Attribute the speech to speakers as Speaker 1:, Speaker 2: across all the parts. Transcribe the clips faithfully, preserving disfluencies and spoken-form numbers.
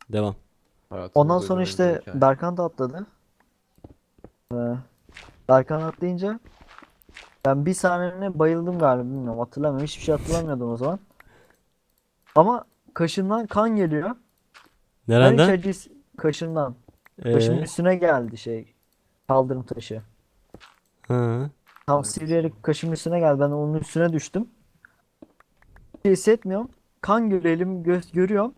Speaker 1: Devam.
Speaker 2: Ondan
Speaker 3: Hayatımda
Speaker 2: sonra
Speaker 3: duyduğum en güzel
Speaker 2: işte
Speaker 3: hikaye.
Speaker 2: Berkan da atladı. Ee, Berkan atlayınca ben bir saniyene bayıldım galiba, bilmiyorum, hatırlamıyorum. Hiçbir şey hatırlamıyordum o zaman. Ama kaşından kan geliyor. Ben hiç
Speaker 1: Nereden?
Speaker 2: acı kaşından. Kaşımın
Speaker 1: Ee,
Speaker 2: üstüne geldi şey. Kaldırım taşı.
Speaker 1: hı.
Speaker 2: Tam
Speaker 3: Hayır.
Speaker 2: sivriyerek kaşımın üstüne geldi. Ben onun üstüne düştüm. Bir şey hissetmiyorum. Kan görüyor, elim göz görüyorum.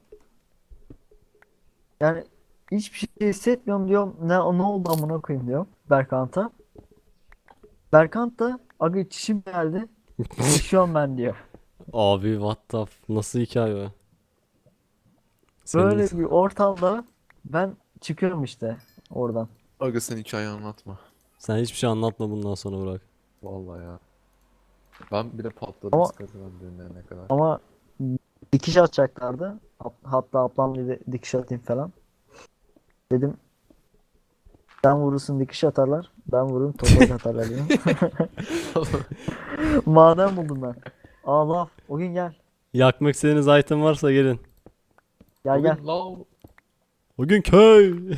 Speaker 2: Yani hiçbir şey hissetmiyorum diyorum. Ne, ne oldu amına koyayım diyorum Berkant'a. Berkant da aga çişim geldi. Yaşıyorum ben diyor.
Speaker 1: Abi what the f- nasıl hikaye o? Senin
Speaker 2: Böyle bir ortamda ben çıkıyorum işte oradan.
Speaker 3: Aga sen hikaye anlatma.
Speaker 1: sen hiçbir şey anlatma bundan sonra Burak.
Speaker 3: Vallahi ya. Ben bile patladım
Speaker 2: Ama
Speaker 3: sıkıntıdan dinleyene kadar.
Speaker 2: ama dikiş atacaklardı. Hat- Hatta ablam dedi dikiş atayım falan. Dedim sen vurursun dikiş atarlar. Ben vururum toprak atarlar diyorum. Maden buldum ben. Allah o gün gel.
Speaker 1: Yakmak istediğiniz item varsa gelin.
Speaker 2: Gel gel.
Speaker 3: Bugün lav.
Speaker 1: Bugün köy.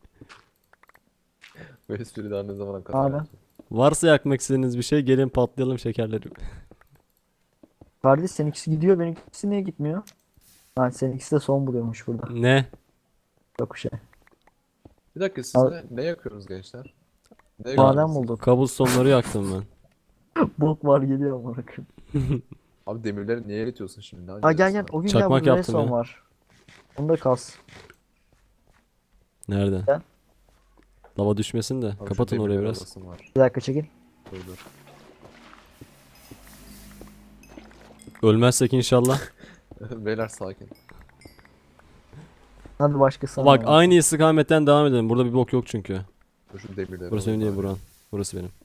Speaker 3: Bu espri daha ne zamana kadar
Speaker 2: Abi.
Speaker 3: yapacağım?
Speaker 1: Varsa yakmak istediğiniz bir şey gelin patlayalım şekerleri.
Speaker 2: Kardeş seninkisi gidiyor, benimkisi niye gitmiyor? Ha, seninkisi de son buluyormuş burada.
Speaker 1: Ne?
Speaker 2: Yok bir şey.
Speaker 3: Bir dakika siz
Speaker 2: Al-
Speaker 3: ne, ne yakıyorsunuz gençler? Ne
Speaker 1: Ka
Speaker 2: Maden
Speaker 3: yakıyorsunuz?
Speaker 2: bulduk.
Speaker 1: Cobblestone'ları yaktım ben.
Speaker 2: Bok var geliyor amına koyayım.
Speaker 3: Abi demirleri niye eritiyorsun şimdi? Ne
Speaker 2: Ha gel gel,
Speaker 3: acele
Speaker 2: o gün gel,
Speaker 1: Çakmak
Speaker 2: burada
Speaker 1: yaptım
Speaker 2: redstone
Speaker 1: ya.
Speaker 2: var. Onda kas.
Speaker 1: Nerede?
Speaker 2: Gel.
Speaker 1: Lava düşmesin de.
Speaker 3: Abi şu
Speaker 1: Kapatın orayı
Speaker 3: demirleri
Speaker 1: biraz.
Speaker 3: alasım var.
Speaker 2: Bir dakika çekil.
Speaker 3: Dur dur.
Speaker 1: Ölmezsek inşallah.
Speaker 3: Beyler sakin.
Speaker 2: Hadi başkası
Speaker 1: Bak
Speaker 2: anlatsın.
Speaker 1: aynı istikametten devam edelim. Burada bir bok yok çünkü.
Speaker 3: Dur şu demirleri
Speaker 1: Burası benim
Speaker 3: alayım
Speaker 1: değil
Speaker 3: bari.
Speaker 1: Buran. Burası benim.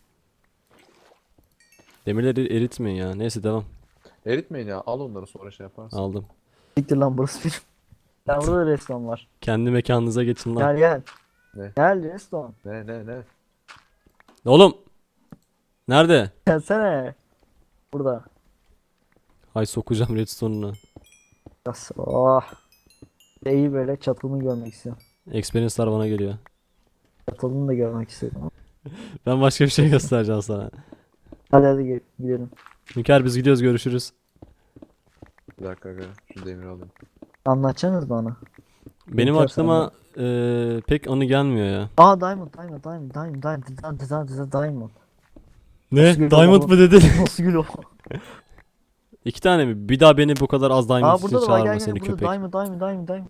Speaker 1: Demirleri eritmeyin ya. Neyse devam.
Speaker 3: Eritmeyin ya, al onları sonra şey yaparsın.
Speaker 1: Aldım.
Speaker 2: Siktir lan, burası benim. Ya burada da redstone var.
Speaker 1: Kendi mekanınıza geçin lan.
Speaker 2: Gel gel.
Speaker 3: Ne?
Speaker 2: Gel redstone.
Speaker 3: Ne ne ne?
Speaker 1: Oğlum. Nerede?
Speaker 2: Gelsene. Burada.
Speaker 1: Hay sokacağım redstone'una.
Speaker 2: Yas. Oh. İyi böyle çatılını görmek istiyorum.
Speaker 1: Experience'lar bana geliyor.
Speaker 2: Çatılını da görmek istiyorum.
Speaker 1: Ben başka bir şey göstereceğim sana.
Speaker 2: Hadi hadi gel- gidelim.
Speaker 1: Hünkar biz gidiyoruz, görüşürüz.
Speaker 3: Bir dakika aga, şu demiri alayım.
Speaker 2: Anlatacaksınız bana.
Speaker 1: Benim
Speaker 2: Hünkar
Speaker 1: aklıma eee, pek anı gelmiyor ya.
Speaker 2: Aa diamond diamond diamond diamond diamond diamond diamond diamond.
Speaker 1: Ne?
Speaker 2: Nasıl geliyor
Speaker 1: Diamond
Speaker 2: baba?
Speaker 1: mı dedin?
Speaker 2: Nasıl gülüyor?
Speaker 1: İki tane mi? Bir daha beni bu kadar az diamond
Speaker 2: Aa
Speaker 1: için
Speaker 2: burada da var,
Speaker 1: çağırma
Speaker 2: gel
Speaker 1: seni
Speaker 2: gel, burada
Speaker 1: köpek.
Speaker 2: diamond diamond diamond diamond.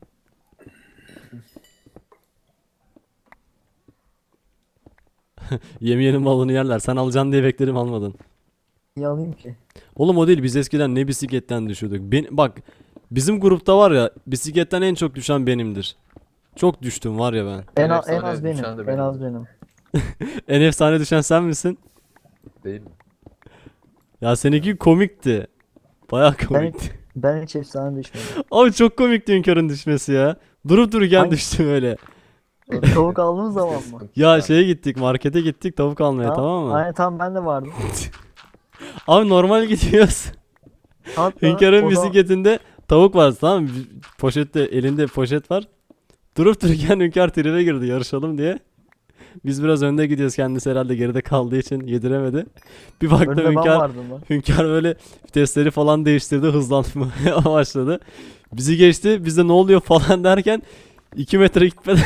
Speaker 1: Yemeyenin malını yerler. Sen alacaksın diye beklerim, almadın.
Speaker 2: Niye alayım ki?
Speaker 1: Oğlum o değil, biz eskiden ne bisikletten düşüyorduk. Ben, bak bizim grupta var ya, bisikletten en çok düşen benimdir. Çok düştüm var ya ben.
Speaker 2: En,
Speaker 3: En
Speaker 2: a- en
Speaker 3: efsane
Speaker 2: az benim.
Speaker 3: düşen de
Speaker 2: En
Speaker 3: benim.
Speaker 2: az benim.
Speaker 1: En efsane düşen sen misin?
Speaker 3: Değil mi?
Speaker 1: Ya seninki komikti. Bayağı
Speaker 2: Ben,
Speaker 1: komikti.
Speaker 2: ben hiç efsane düşmedim.
Speaker 1: Abi çok komikti Hünkar'ın düşmesi ya. Durup dururken
Speaker 2: Hangi-
Speaker 1: düştüm öyle.
Speaker 2: Tavuk aldığımız zaman mı?
Speaker 3: Sıkıntı
Speaker 1: Ya
Speaker 3: yok.
Speaker 1: şeye gittik, markete gittik tavuk almaya, tamam mı?
Speaker 2: Aynen tamam, ben de vardım.
Speaker 1: Abi normal gidiyoruz.
Speaker 2: Hatta
Speaker 1: Hünkar'ın
Speaker 2: o zaman-
Speaker 1: bisikletinde tavuk var, tamam mı? Poşette, elinde poşet var. Durup dururken Hünkar tribe girdi yarışalım diye. Biz biraz önde gidiyoruz, kendisi herhalde geride kaldığı için yediremedi. Bir baktım
Speaker 2: önünde ben
Speaker 1: Hünkar,
Speaker 2: vardım lan.
Speaker 1: Hünkar böyle vitesleri falan değiştirdi, hızlanmaya başladı. Bizi geçti, biz de ne oluyor falan derken iki metre gitmeden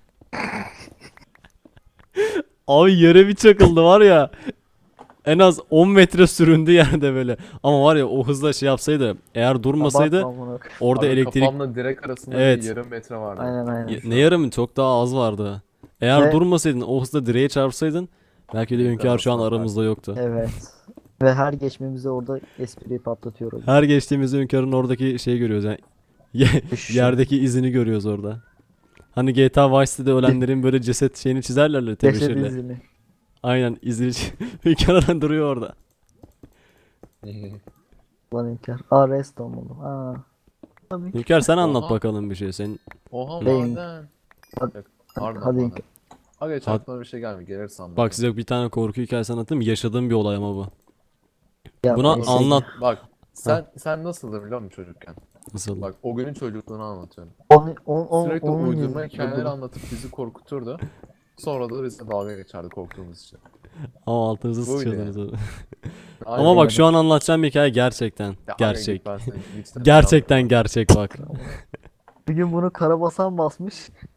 Speaker 1: abi yere bir çakıldı var ya. En az on metre süründü yerde böyle. Ama var ya o hızla şey yapsaydı, eğer durmasaydı
Speaker 2: Abartma amına koyayım.
Speaker 1: orada
Speaker 3: Abi
Speaker 1: elektrik.
Speaker 3: kafamla direk arasında
Speaker 1: Evet.
Speaker 3: bir yarım metre vardı.
Speaker 2: Aynen aynen.
Speaker 1: Ya- Ne yarım, çok daha az vardı. Eğer
Speaker 2: Ve-
Speaker 1: durmasaydın, o hızla direğe çarpsaydın belki de
Speaker 3: Bir
Speaker 1: Hünkar şu an
Speaker 3: daha
Speaker 1: aramızda yoktu.
Speaker 2: Evet. Ve her geçmemizde orada espriyi patlatıyoruz.
Speaker 1: Her geçtiğimizde Hünkar'ın oradaki şeyi görüyoruz yani. Ye-
Speaker 2: Düşüşü.
Speaker 1: Yerdeki izini görüyoruz orada. Hani G T A Vice City'de ölenlerin böyle ceset şeyini çizerler ya,
Speaker 2: Ceset
Speaker 1: tebeşirle.
Speaker 2: izini.
Speaker 1: Aynen, izini çi- Hünkar duruyor orada.
Speaker 2: Lan inkar. Aa redstone buldum. Aa. Tabii ki.
Speaker 1: Hünkar sen anlat
Speaker 3: Oha.
Speaker 1: bakalım bir şey. Sen
Speaker 3: Oha
Speaker 2: Beyin.
Speaker 3: maden.
Speaker 2: Hadi-
Speaker 3: Yok, pardon,
Speaker 2: hadi
Speaker 3: maden.
Speaker 2: İlker.
Speaker 3: Aga hiç
Speaker 1: Hadi.
Speaker 3: aklıma bir şey gelmiyor. Gelir sandım.
Speaker 1: bak, size bir tane korku hikayesi anlatayım. Yaşadığım bir olay ama bu.
Speaker 2: Ya,
Speaker 1: Buna
Speaker 2: neyse.
Speaker 1: anlat.
Speaker 3: Bak sen sen nasıldın biliyor musun çocukken?
Speaker 1: Nasıl?
Speaker 3: Bak o günün çocukluğunu anlatıyorum.
Speaker 2: Onu, on, on,
Speaker 3: Sürekli
Speaker 2: onun
Speaker 3: uydurma
Speaker 2: gibi.
Speaker 3: hikayeler anlatıp bizi korkuturdu. Sonra da bizle dalga geçerdi korktuğumuz için.
Speaker 1: Ama altınızı
Speaker 3: Buydu
Speaker 1: sıçıyordunuz.
Speaker 3: yani.
Speaker 1: öyle.
Speaker 3: Aynen.
Speaker 1: Ama bak şu an anlatacağım hikaye gerçekten.
Speaker 3: Ya aga
Speaker 1: Gerçek.
Speaker 3: git ben seni lütfen
Speaker 1: Gerçekten
Speaker 3: inanmıyorum.
Speaker 1: gerçek bak.
Speaker 2: Bir gün bunu karabasan basmış.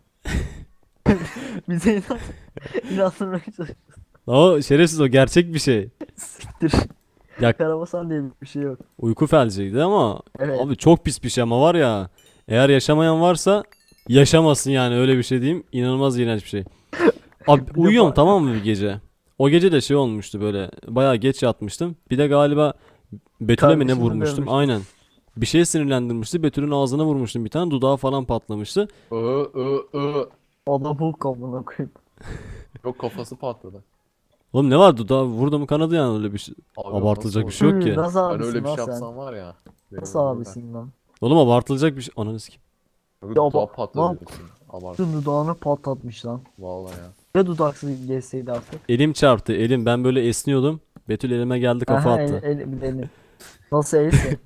Speaker 2: Bize inan inandırmaya çalışıyor.
Speaker 1: O şerefsiz, o gerçek bir şey.
Speaker 2: Siktir.
Speaker 1: Ya
Speaker 2: Karabasan diye bir şey yok.
Speaker 1: uyku felciydi ama
Speaker 2: Evet.
Speaker 1: abi çok pis bir şey ama var ya. Eğer yaşamayan varsa yaşamasın yani, öyle bir şey diyeyim. İnanılmaz iğrenç bir şey. Abi
Speaker 2: de
Speaker 1: uyuyorum
Speaker 2: bak-
Speaker 1: tamam mı bir gece. O gece de şey olmuştu, böyle bayağı geç yatmıştım. Bir de galiba Betül'e mi ne
Speaker 2: Kardeşini
Speaker 1: vurmuştum?
Speaker 2: dövmüştün.
Speaker 1: Aynen. Bir şey sinirlendirmişti. Betül'ün ağzına vurmuştum bir tane. Dudağı falan patlamıştı.
Speaker 3: Iı, ıı, ıı.
Speaker 2: Adam Hulk amına koyayım.
Speaker 3: Yok kafası patladı.
Speaker 1: Oğlum ne var, dudağı vurdu mu kanadı yani, öyle bir şey.
Speaker 3: Abi
Speaker 1: Abartılacak
Speaker 3: nasıl
Speaker 1: bir şey yok
Speaker 2: Hı,
Speaker 1: ki.
Speaker 2: Nasıl
Speaker 3: olur? Ben
Speaker 2: abisin
Speaker 3: öyle bir
Speaker 2: lan
Speaker 3: şey
Speaker 2: sen?
Speaker 3: yapsam var ya. beni
Speaker 2: Nasıl
Speaker 3: öldürürler.
Speaker 2: abisin lan?
Speaker 1: Oğlum abartılacak bir şey. Ananı sikeyim.
Speaker 3: Yok,
Speaker 2: Ya
Speaker 3: dudağı
Speaker 2: bak-
Speaker 3: patladı
Speaker 2: bak-
Speaker 3: diyorsun. Abart.
Speaker 2: Tüm dudağını patlatmış lan.
Speaker 3: Vallahi ya.
Speaker 2: Ya dudaksız geçseydi artık.
Speaker 1: Elim çarptı elim. Ben böyle esniyordum. Betül elime geldi, kafa
Speaker 2: Aha,
Speaker 1: attı.
Speaker 2: El, el, bir de elin. Nasıl else?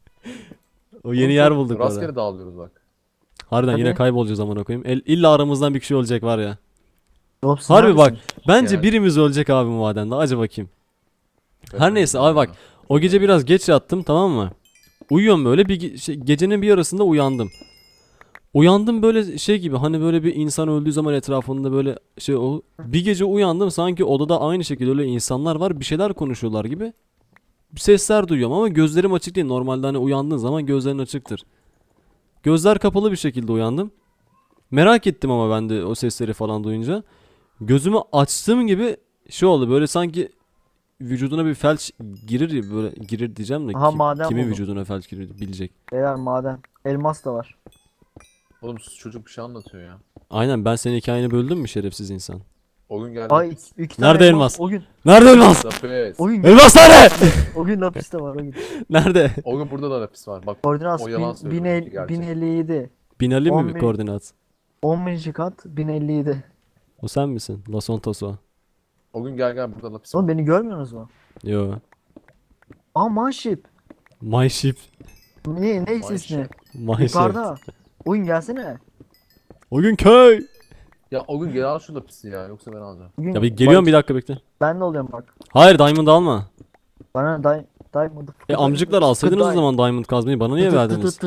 Speaker 1: O yeni
Speaker 3: Oğlum
Speaker 1: yer
Speaker 3: çok
Speaker 1: bulduk orada.
Speaker 3: Rastgele dağılıyoruz bak.
Speaker 1: Harbiden yine
Speaker 2: Hadi.
Speaker 1: kaybolacağız amına koyayım. El, illa aramızdan bir kişi olacak var ya.
Speaker 2: Oğlum siz
Speaker 1: Harbi bak.
Speaker 2: neredesiniz?
Speaker 1: Bence
Speaker 3: Yani.
Speaker 1: birimiz ölecek abi bu madende. Acı bakayım. Her
Speaker 3: Kaçın
Speaker 1: neyse
Speaker 3: ya.
Speaker 1: abi bak. O gece biraz geç yattım tamam mı? Uyuyorum böyle bir ge- şey, gecenin bir yarısında uyandım. Uyandım böyle şey gibi, hani böyle bir insan öldüğü zaman etrafında böyle şey o. Bir gece uyandım sanki odada aynı şekilde öyle insanlar var, bir şeyler konuşuyorlar gibi. Sesler duyuyorum ama gözlerim açık değil. Normalde hani uyandığın zaman gözlerin açıktır. Gözler kapalı bir şekilde uyandım. Merak ettim ama ben de o sesleri falan duyunca. Gözümü açtığım gibi şey oldu, böyle sanki vücuduna bir felç girir ya, böyle girir diyeceğim de
Speaker 2: Aha,
Speaker 1: kim-
Speaker 2: maden
Speaker 1: kimin
Speaker 2: buldum.
Speaker 1: vücuduna felç girir bilecek.
Speaker 2: Beyler maden. Elmas da var.
Speaker 3: Oğlum çocuk bir şey anlatıyor ya.
Speaker 1: Aynen, ben senin hikayeni böldüm mü şerefsiz insan?
Speaker 3: O gün geldi.
Speaker 2: Ay iki, iki
Speaker 1: Nerede
Speaker 2: tane
Speaker 1: elmas?
Speaker 2: O gün.
Speaker 1: Nerede elmas?
Speaker 3: Lapis.
Speaker 2: O gün.
Speaker 1: Elmas nerede?
Speaker 2: O gün lapiste var o gün.
Speaker 1: Nerede?
Speaker 3: O gün burada da lapis var. Bak
Speaker 2: Koordinat
Speaker 3: O yalan
Speaker 2: bin-
Speaker 3: söylüyor,
Speaker 2: bin el-
Speaker 3: benimki gerçek.
Speaker 2: bin elli yedi.
Speaker 1: Binali mi
Speaker 2: on
Speaker 1: bir
Speaker 2: bin-
Speaker 1: koordinat?
Speaker 2: on bininci kat bin elli yedi.
Speaker 1: O sen misin? La Sontoso.
Speaker 3: o gün gel gel burada lapis var.
Speaker 2: Oğlum beni görmüyorsunuz mu?
Speaker 1: Yo.
Speaker 2: Aa manşip.
Speaker 1: My ship.
Speaker 2: Ne ne ismi?
Speaker 3: Manşip.
Speaker 1: My ship.
Speaker 2: Yukarıda. Oyun gelsene.
Speaker 1: O gün köy.
Speaker 3: Ya o gün gel al şu lapisi ya yoksa ben alacağım.
Speaker 2: Bugün
Speaker 1: Ya bir geliyorum, bir dakika bekle.
Speaker 2: Ben de oluyorum bak.
Speaker 1: Hayır, diamond alma.
Speaker 2: Bana day diamond.
Speaker 1: E amcıklar alsaydınız o zaman diamond kazmayı, bana niye verdiniz?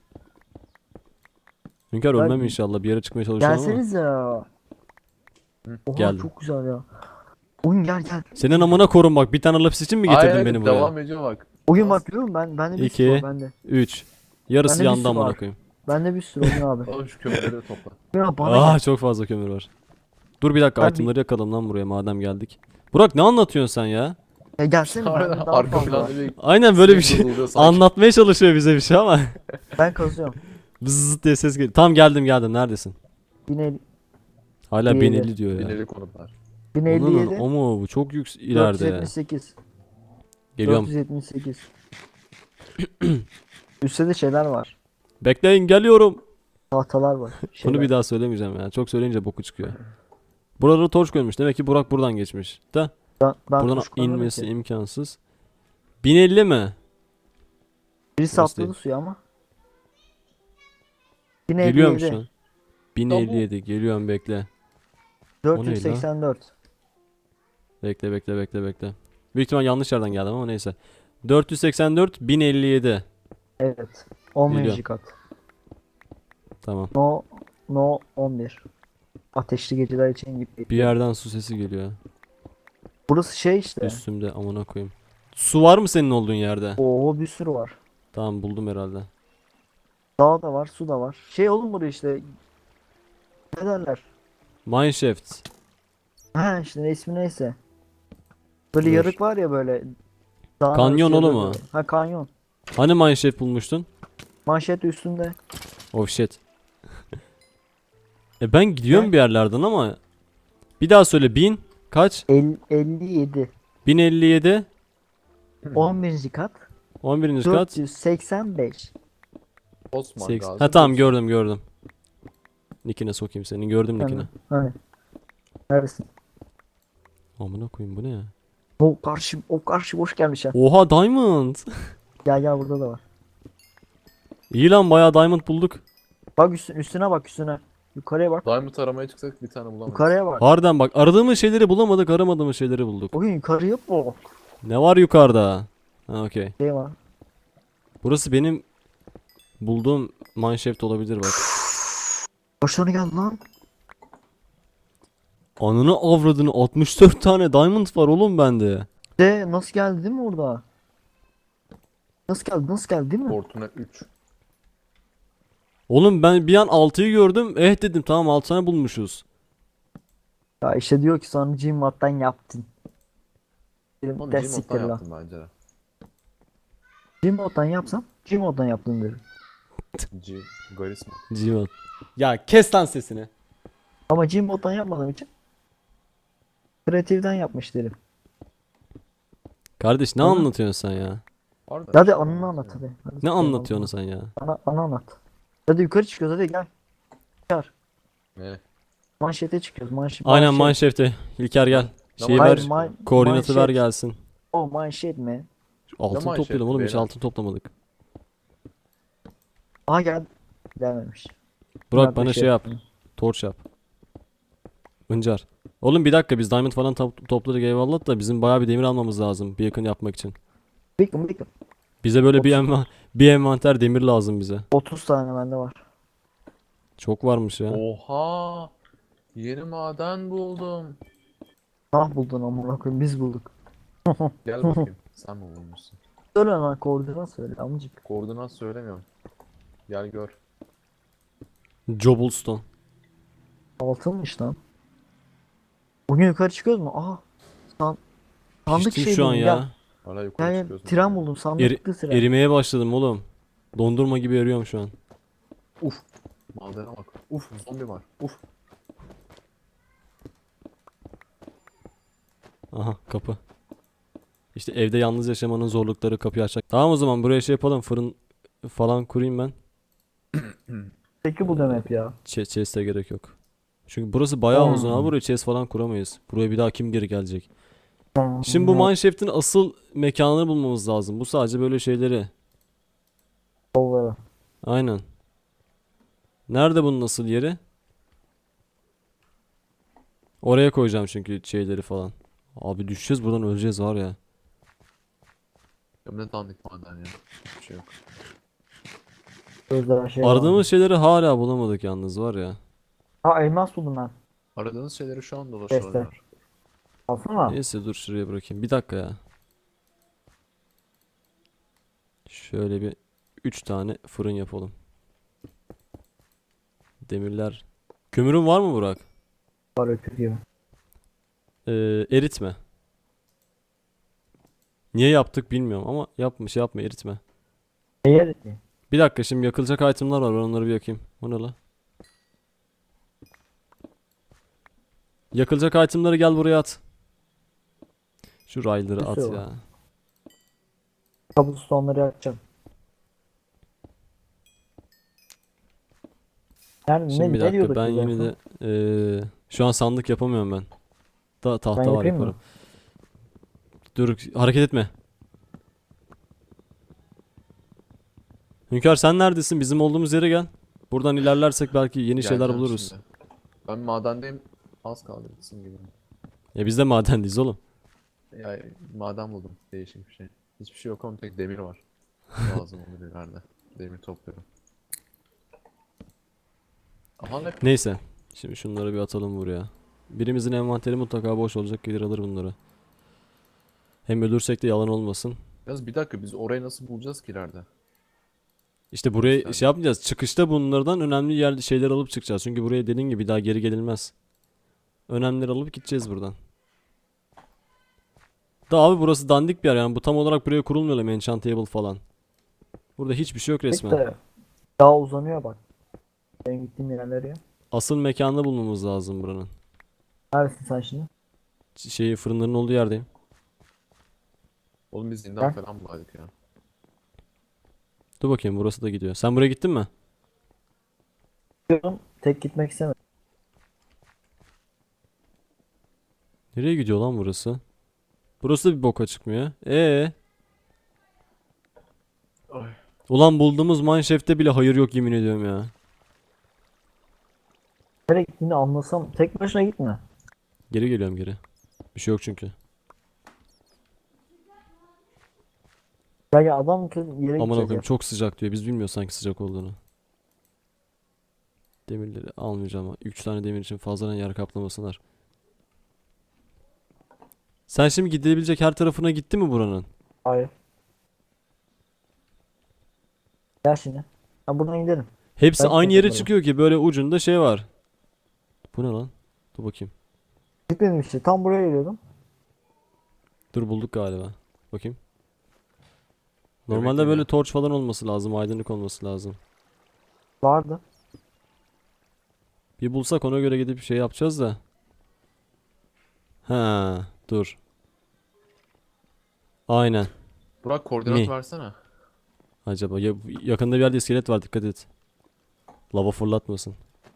Speaker 1: Hünkar
Speaker 2: Ben-
Speaker 1: ölmem inşallah, bir yere çıkmaya çalışıyorum ama.
Speaker 2: Gelseniz ya. Oha
Speaker 1: Geldim.
Speaker 2: çok güzel ya. Oyun gel gel.
Speaker 1: Senin amına korun bak, bir tane lapis için mi getirdin
Speaker 3: Hayır,
Speaker 1: beni buraya?
Speaker 3: devam ediyor bak.
Speaker 2: Oyun
Speaker 3: Nasıl?
Speaker 2: bak görüyor musun? Ben bende bir
Speaker 1: İki.
Speaker 2: sürü var bende.
Speaker 1: üç. Yarısı
Speaker 2: Bende bir
Speaker 1: yandı
Speaker 2: sürü
Speaker 1: amına
Speaker 2: var.
Speaker 1: koyayım.
Speaker 2: Bende bir sürü oyun abi.
Speaker 3: Oğlum şu kömürleri topla.
Speaker 2: Ya bana
Speaker 1: Ah
Speaker 2: gel.
Speaker 1: çok fazla kömür var. Dur bir dakika,
Speaker 2: Ben bir-
Speaker 1: itemları yakalım lan buraya madem geldik. Burak ne anlatıyorsun sen ya?
Speaker 2: Ya gelsene bende daha
Speaker 3: Arka
Speaker 2: fazla var.
Speaker 3: planda bir
Speaker 1: Aynen böyle bir
Speaker 3: sinek
Speaker 1: şey
Speaker 3: vızıldıyor sanki.
Speaker 1: anlatmaya çalışıyor bize bir şey ama.
Speaker 2: Ben kazıyorum.
Speaker 1: Bzzz diye ses geliyor. Tam geldim geldim, neredesin?
Speaker 2: bin
Speaker 1: Hala
Speaker 2: İyi,
Speaker 1: bin
Speaker 2: evet.
Speaker 1: elli diyor ya.
Speaker 3: Bineli konutlar.
Speaker 2: elli
Speaker 1: Onun-
Speaker 2: yedi.
Speaker 1: O mu? Bu çok yüksek
Speaker 2: dört yüz
Speaker 1: ileride.
Speaker 2: yetmiş sekiz.
Speaker 1: Geliyorum.
Speaker 2: dört yüz yetmiş sekiz. Üstte de şeyler var.
Speaker 1: Bekleyin geliyorum.
Speaker 2: Tahtalar var.
Speaker 1: Bunu
Speaker 2: Şeyler.
Speaker 1: bir daha söylemeyeceğim ya. Çok söyleyince boku çıkıyor. Buraları torç koymuş. Demek ki Burak buradan geçmiş. Da
Speaker 2: Ben, ben
Speaker 1: buradan
Speaker 2: kuşkulanırım
Speaker 1: inmesi
Speaker 2: ki.
Speaker 1: imkansız. bin elli mi?
Speaker 2: Birisi
Speaker 1: Orası
Speaker 2: atladı
Speaker 1: değil.
Speaker 2: suya ama.
Speaker 1: Geliyorum şu
Speaker 2: bin elli yedi.
Speaker 1: an. bin elli yedi. Geliyorum bekle.
Speaker 2: dört yüz seksen dört.
Speaker 1: Bekle bekle bekle bekle. Büyük ihtimal yanlış yerden geldim ama neyse. dört yüz seksen dört bin elli yedi.
Speaker 2: Evet. on bininci
Speaker 1: Geliyorum.
Speaker 2: kat.
Speaker 1: Tamam.
Speaker 2: No no on bir. Ateşli geceler için gibi.
Speaker 1: Bir yerden su sesi geliyor.
Speaker 2: Burası şey işte.
Speaker 1: Üstümde amına koyayım. Su var mı senin olduğun yerde?
Speaker 2: Oo bir sürü var.
Speaker 1: Tamam buldum herhalde.
Speaker 2: Dağ da var, su da var. Şey oğlum buraya işte. Ne derler?
Speaker 1: Mineshaft.
Speaker 2: Ha işte ismi neyse. Böyle
Speaker 1: Dur.
Speaker 2: yarık var ya böyle. Dağın
Speaker 1: Kanyon
Speaker 2: arası
Speaker 1: oğlum
Speaker 2: yarığı
Speaker 1: o.
Speaker 2: böyle. Ha kanyon.
Speaker 1: Hani mineshaft bulmuştun?
Speaker 2: Manşet üstünde.
Speaker 1: Oh shit. E ben gidiyorum
Speaker 2: Ne?
Speaker 1: bir yerlerden ama. Bir daha söyle, bin kaç?
Speaker 2: El, elli yedi.
Speaker 1: bin elli yedi.
Speaker 2: on birinci kat.
Speaker 1: on birinci kat.
Speaker 2: dört yüz seksen beş.
Speaker 3: Osman
Speaker 1: seks-
Speaker 3: Gazi.
Speaker 1: Ha tamam gördüm gördüm. Nickine sokayım senin, gördüm nickine.
Speaker 2: Hani. Neredesin?
Speaker 1: Amına koyayım bu ne ya?
Speaker 2: O karşı o karşı boş gelmiş ha.
Speaker 1: Oha diamond.
Speaker 2: Gel gel burada da var.
Speaker 1: İyi lan, bayağı diamond bulduk.
Speaker 2: Bak üstüne, üstüne bak üstüne. Yukarıya bak.
Speaker 3: Diamond aramaya çıksak bir tane bulamayız.
Speaker 2: Yukarıya bak.
Speaker 1: Harbiden bak, aradığımız şeyleri bulamadık, aramadığımız şeyleri bulduk.
Speaker 2: Bugün yukarıya bak.
Speaker 1: Ne var yukarıda? Ha, okey.
Speaker 2: Şey var.
Speaker 1: Burası benim bulduğum mineshaft olabilir bak.
Speaker 2: Kaç tane geldi lan?
Speaker 1: Ananı avradını, altmış dört tane diamond var oğlum bende.
Speaker 2: De nasıl geldi değil mi orada? Nasıl geldi nasıl geldi değil mi?
Speaker 3: Fortuna üç.
Speaker 1: Oğlum ben bir an altıyı gördüm. Eh dedim, tamam altı tane bulmuşuz.
Speaker 2: Ya işte diyor ki sonra Gmod'dan yaptın. Dedim
Speaker 3: Oğlum
Speaker 2: ders
Speaker 3: Gmod'dan
Speaker 2: siktir lan.
Speaker 3: yaptım bence de.
Speaker 2: Gmod'dan yapsam Gmod'dan yaptın derim.
Speaker 3: G. Garis mi?
Speaker 1: Civan. Ya kes lan sesini.
Speaker 2: Ama Gmod'dan yapmadığım için Creative'den yapmış derim.
Speaker 1: Kardeş ne
Speaker 2: Aha.
Speaker 1: anlatıyorsun sen ya?
Speaker 3: Harbiden.
Speaker 2: Hadi anını anlat hadi. Hadi
Speaker 1: Ne
Speaker 2: sen
Speaker 1: anlatıyorsun sen ya?
Speaker 2: anlat. Ana, ana anlat. Hadi yukarı çıkıyoruz hadi gel. Çıkar.
Speaker 3: Ne?
Speaker 2: Manşete çıkıyoruz. Manşet.
Speaker 1: Aynen
Speaker 2: manşet.
Speaker 1: mineshaft'e. İlker gel.
Speaker 3: Ne
Speaker 1: Şeyi
Speaker 2: Hayır,
Speaker 1: ver.
Speaker 2: man-
Speaker 1: Koordinatı ver
Speaker 2: manşet.
Speaker 1: gelsin.
Speaker 2: Oh manşet mi?
Speaker 1: Altın
Speaker 3: mineshaft'i
Speaker 1: toplayalım oğlum, hiç
Speaker 3: beyler?
Speaker 1: altın toplamadık.
Speaker 2: Aha gel. Gelmemiş.
Speaker 1: Burak
Speaker 2: Bunlar da
Speaker 1: bana
Speaker 2: şey
Speaker 1: şey yap.
Speaker 2: yapmıyor.
Speaker 1: Torç yap. Hıncar. Oğlum bir dakika, biz diamond falan top- topladık eyvallah da bizim bayağı bir demir almamız lazım bir yakın yapmak için.
Speaker 2: Bekle bekle.
Speaker 1: Bize böyle bir
Speaker 2: otuz
Speaker 1: enva bir envanter demir lazım bize.
Speaker 2: otuz tane bende var.
Speaker 1: Çok varmış ya.
Speaker 3: Oha! Yeni maden buldum.
Speaker 2: Ah buldun amına koyayım biz bulduk.
Speaker 3: Gel bakayım. Sen mi bulmuşsun?
Speaker 2: Söyle lan koordinat söyle amcık.
Speaker 3: Koordinat söylemiyorum. Gel gör.
Speaker 1: Cobblestone.
Speaker 2: Altınmış lan. Bugün yukarı çıkıyoruz mu? Aha. San sandık
Speaker 1: Piştim
Speaker 2: şey
Speaker 1: şu an
Speaker 2: buldum
Speaker 1: ya.
Speaker 2: gel.
Speaker 3: Hala yukarı
Speaker 2: Gel gel
Speaker 3: çıkıyorsun.
Speaker 2: tren buldum
Speaker 1: Eri-
Speaker 2: sandıklı tren.
Speaker 1: erimeye başladım oğlum. Dondurma gibi eriyorum şu an.
Speaker 3: Uf. Madene bak. Uf zombi var. Uf.
Speaker 1: Aha kapı. İşte evde yalnız yaşamanın zorlukları, kapıyı açacak. Tamam o zaman buraya şey yapalım, fırın falan kurayım ben.
Speaker 2: Peki bu demek ya.
Speaker 1: Ch chest'e gerek yok. Çünkü burası bayağı
Speaker 2: Hmm.
Speaker 1: uzun abi, buraya chest falan kuramayız. Buraya bir daha kim geri gelecek? Şimdi bu mineshaft'in asıl mekanını bulmamız lazım. Bu sadece böyle şeyleri.
Speaker 2: Kolları.
Speaker 1: Aynen. Nerede bunun asıl yeri? Oraya koyacağım çünkü şeyleri falan. Abi düşeceğiz buradan, öleceğiz var ya.
Speaker 3: Ya ne dandik maden ya. Bir şey yok.
Speaker 2: Gözler şey var.
Speaker 1: Aradığımız şeyleri hala bulamadık yalnız var ya.
Speaker 2: Ha elmas buldum ben.
Speaker 3: Aradığınız şeyleri şu an
Speaker 2: Chest'te.
Speaker 3: dolaşıyorlar.
Speaker 2: Alsana.
Speaker 1: Neyse dur şuraya bırakayım. Bir dakika ya. Şöyle bir üç tane fırın yapalım. Demirler. Kömürün var mı Burak?
Speaker 2: Var öküz gibi.
Speaker 1: Ee, eritme. Niye yaptık bilmiyorum ama yapma, şey yapma, eritme.
Speaker 2: Eğer
Speaker 1: Bir dakika, şimdi yakılacak itemler var, ben onları bir yakayım. O ne la? Yakılacak itemleri gel buraya at. Şu rayları at
Speaker 2: Nasıl
Speaker 1: ya.
Speaker 2: cobblestone'ları yapacağım. Yani
Speaker 1: Şimdi
Speaker 2: ne,
Speaker 1: bir
Speaker 2: ne
Speaker 1: dakika,
Speaker 2: diyorduk
Speaker 1: ben
Speaker 2: biz en
Speaker 1: yine
Speaker 2: son?
Speaker 1: de eee, şu an sandık yapamıyorum ben. Da tahta
Speaker 2: Ben
Speaker 1: var,
Speaker 2: yapayım mı?
Speaker 1: yaparım. Dur hareket etme. Hünkar sen neredesin? Bizim olduğumuz yere gel. Buradan ilerlersek belki yeni şeyler
Speaker 3: Geleceğim
Speaker 1: buluruz.
Speaker 3: şimdi. Ben madendeyim. Az kaldı bitsin gibi.
Speaker 1: Ya biz de madendeyiz oğlum.
Speaker 3: Ya maden buldum. Değişik bir şey. Hiçbir şey yok ama tek demir var. Lazım olur ileride. Demir topluyorum. Aha ne?
Speaker 1: Neyse. Şimdi şunları bir atalım buraya. Birimizin envanteri mutlaka boş olacak, gelir alır bunları. Hem ölürsek de yalan olmasın.
Speaker 3: Yalnız bir dakika biz orayı nasıl bulacağız ki ileride?
Speaker 1: İşte buraya
Speaker 3: Göster.
Speaker 1: şey yapmayacağız. Çıkışta bunlardan önemli yer şeyler alıp çıkacağız. Çünkü buraya dediğin gibi bir daha geri gelinmez. Önemlileri alıp gideceğiz buradan. Da abi burası dandik bir yer yani, bu tam olarak buraya kurulmuyor mu enchant table falan. Burada hiçbir şey yok resmen.
Speaker 2: İşte daha uzanıyor bak. Benim gittiğim yerler ya.
Speaker 1: Asıl mekanını bulmamız lazım buranın.
Speaker 2: Neredesin sen şimdi?
Speaker 1: Ş- Şeyi fırınların olduğu yerdeyim.
Speaker 3: Oğlum biz zindan
Speaker 2: Ha?
Speaker 3: falan bulaydık ya.
Speaker 1: Dur bakayım, burası da gidiyor. Sen buraya gittin mi?
Speaker 2: Diyorum tek gitmek istemedim.
Speaker 1: Nereye gidiyor lan burası? Burası da bir boka çıkmıyor. Ee,
Speaker 3: Ay.
Speaker 1: Ulan bulduğumuz mineshaft'te bile hayır yok yemin ediyorum ya.
Speaker 2: Nereye gittiğini anlasam tek başına gitme.
Speaker 1: Geri geliyorum geri. Bir şey yok çünkü.
Speaker 2: Ya ya adam kız yere
Speaker 1: Aman
Speaker 2: gidecek
Speaker 1: okuyayım
Speaker 2: ya.
Speaker 1: çok sıcak diyor. Biz bilmiyoruz sanki sıcak olduğunu. Demirleri almayacağım ama üç tane demir için fazladan yer kaplamasınlar. Sen şimdi gidebilecek her tarafına gitti mi buranın?
Speaker 2: Hayır. Gel şimdi. Ha buradan gidelim.
Speaker 1: Hepsi
Speaker 2: Ben
Speaker 1: aynı yere
Speaker 2: gidelim.
Speaker 1: çıkıyor ki böyle ucunda şey var. Bu ne lan? Dur bakayım.
Speaker 2: Gitmedim işte. Tam buraya geliyordum.
Speaker 1: Dur bulduk galiba. Bakayım.
Speaker 3: Demek
Speaker 1: Normalde
Speaker 3: ki
Speaker 1: böyle
Speaker 3: ne?
Speaker 1: torç falan olması lazım. Aydınlık olması lazım.
Speaker 2: Vardı.
Speaker 1: Bir bulsak ona göre gidip şey yapacağız da. Ha, dur. Aynen.
Speaker 3: Burak koordinat
Speaker 1: Mi?
Speaker 3: versene.
Speaker 1: Acaba ya, yakında bir yerde iskelet var dikkat et. Lava fırlatmasın.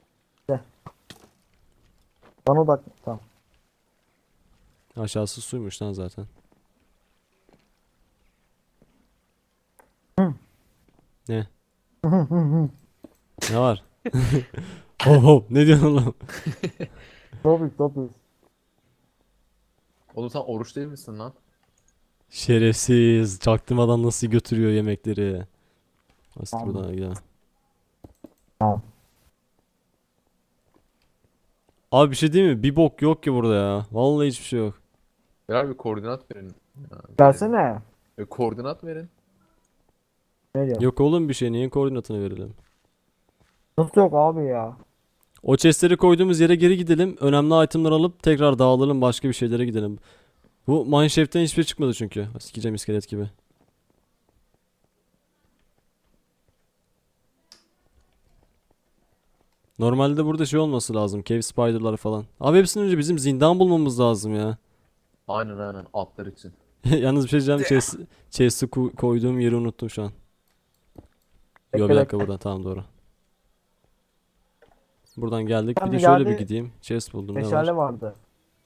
Speaker 2: Bana odak. Tamam.
Speaker 1: Aşağısı suymuş lan zaten.
Speaker 2: Hı.
Speaker 1: Ne? Ne var? Hop hop ne diyorsun oğlum?
Speaker 2: Topik topik.
Speaker 3: Oğlum sen oruç değil misin lan?
Speaker 1: Şerefsiz. Çaktırmadan nasıl götürüyor yemekleri. Asit
Speaker 2: Tamam.
Speaker 1: buradan gidelim.
Speaker 2: Tamam.
Speaker 1: Abi bir şey değil mi? Bir bok yok ki burada ya. Vallahi hiçbir şey yok.
Speaker 3: Birer bir koordinat verin. Ya,
Speaker 2: Versene.
Speaker 3: E, koordinat verin.
Speaker 2: Ne diyor?
Speaker 1: Yok oğlum bir şey. Neyin koordinatını verelim?
Speaker 2: Nasıl yok abi ya?
Speaker 1: O chestleri koyduğumuz yere geri gidelim. Önemli itemler alıp tekrar dağılalım. Başka bir şeylere gidelim. Bu mineshaft'ten hiçbir şey çıkmadı çünkü. Sikeceğim iskelet gibi. Normalde burada şey olması lazım. Cave spider'lar falan. Abi hepsinden önce bizim zindan bulmamız lazım ya.
Speaker 3: Aynen aynen atlar için.
Speaker 1: Yalnız bir şey diyeceğim. Chest, chest'i ko- koyduğum yeri unuttum şu an. Yo bir
Speaker 2: Bekle,
Speaker 1: dakika
Speaker 2: bekle.
Speaker 1: buradan tamam doğru. Buradan geldik.
Speaker 2: Ben
Speaker 1: Bir de
Speaker 2: bir
Speaker 1: şöyle bir
Speaker 2: yerde
Speaker 1: gideyim. Chest buldum. Ne var?
Speaker 2: Meşale vardı.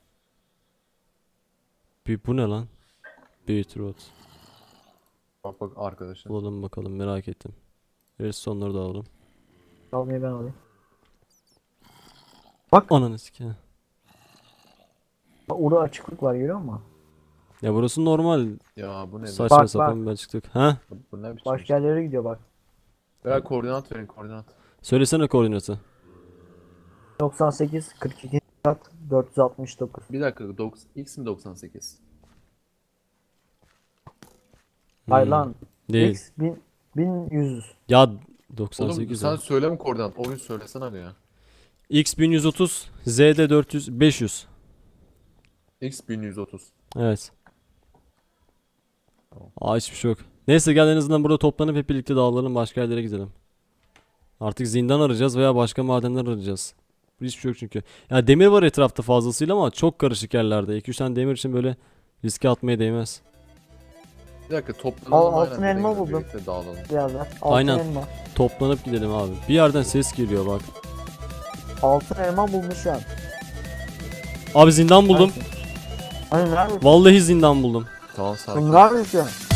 Speaker 1: Bir, bu ne lan? Beetroot.
Speaker 3: Bak bak arkadaşın.
Speaker 1: Bulalım bakalım merak ettim. Redstone'ları da alalım.
Speaker 2: Almayı ben alayım.
Speaker 1: Ananı sikeyim.
Speaker 2: Bak orada açıklık var görüyor musun?
Speaker 1: Ya burası normal.
Speaker 3: Ya bu ne?
Speaker 1: Saçma
Speaker 2: Bak,
Speaker 1: sapan bir açıklık. Ha?
Speaker 3: Bu, bu ne biçim?
Speaker 2: Başka yerlere gidiyor bak.
Speaker 3: Birer koordinat verin koordinat.
Speaker 1: Söylesene koordinatı.
Speaker 2: doksan sekiz kırk iki kat dört yüz altmış dokuz.
Speaker 3: Bir dakika doks- X mi doksan sekiz?
Speaker 2: Hayır
Speaker 1: Hmm,
Speaker 2: lan.
Speaker 1: Değil.
Speaker 2: X bin, bin yüz.
Speaker 1: Ya
Speaker 3: Oğlum
Speaker 1: doksan sekiz
Speaker 3: sen
Speaker 1: ya.
Speaker 3: söyleme koordinat. Oyun söylesene abi ya.
Speaker 1: X bin yüz otuz, Z'de dört yüz, beş yüz.
Speaker 3: X bin yüz otuz.
Speaker 1: Evet.
Speaker 3: Tamam.
Speaker 1: Aa hiçbir şey yok. Neyse gel en azından burada toplanıp hep birlikte dağılalım başka yerlere gidelim. Artık zindan arayacağız veya başka madenler arayacağız. Hiçbir şey yok çünkü. Ya demir var etrafta fazlasıyla ama çok karışık yerlerde. iki üç tane demir için böyle riske atmaya değmez.
Speaker 3: Bir dakika toplanalım
Speaker 2: Al-
Speaker 3: aynen,
Speaker 2: altın
Speaker 3: bir de
Speaker 2: elma
Speaker 3: yine
Speaker 2: buldum.
Speaker 3: birlikte dağılalım.
Speaker 2: Bir yerden. Altın
Speaker 1: Aynen.
Speaker 2: elma.
Speaker 1: Toplanıp gidelim abi. Bir yerden ses geliyor bak.
Speaker 2: Altın elma bulmuş ya.
Speaker 1: Abi zindan buldum.
Speaker 2: Hani neredesin?
Speaker 1: Vallahi zindan buldum.
Speaker 3: Tamam sakin.
Speaker 2: Neredesin?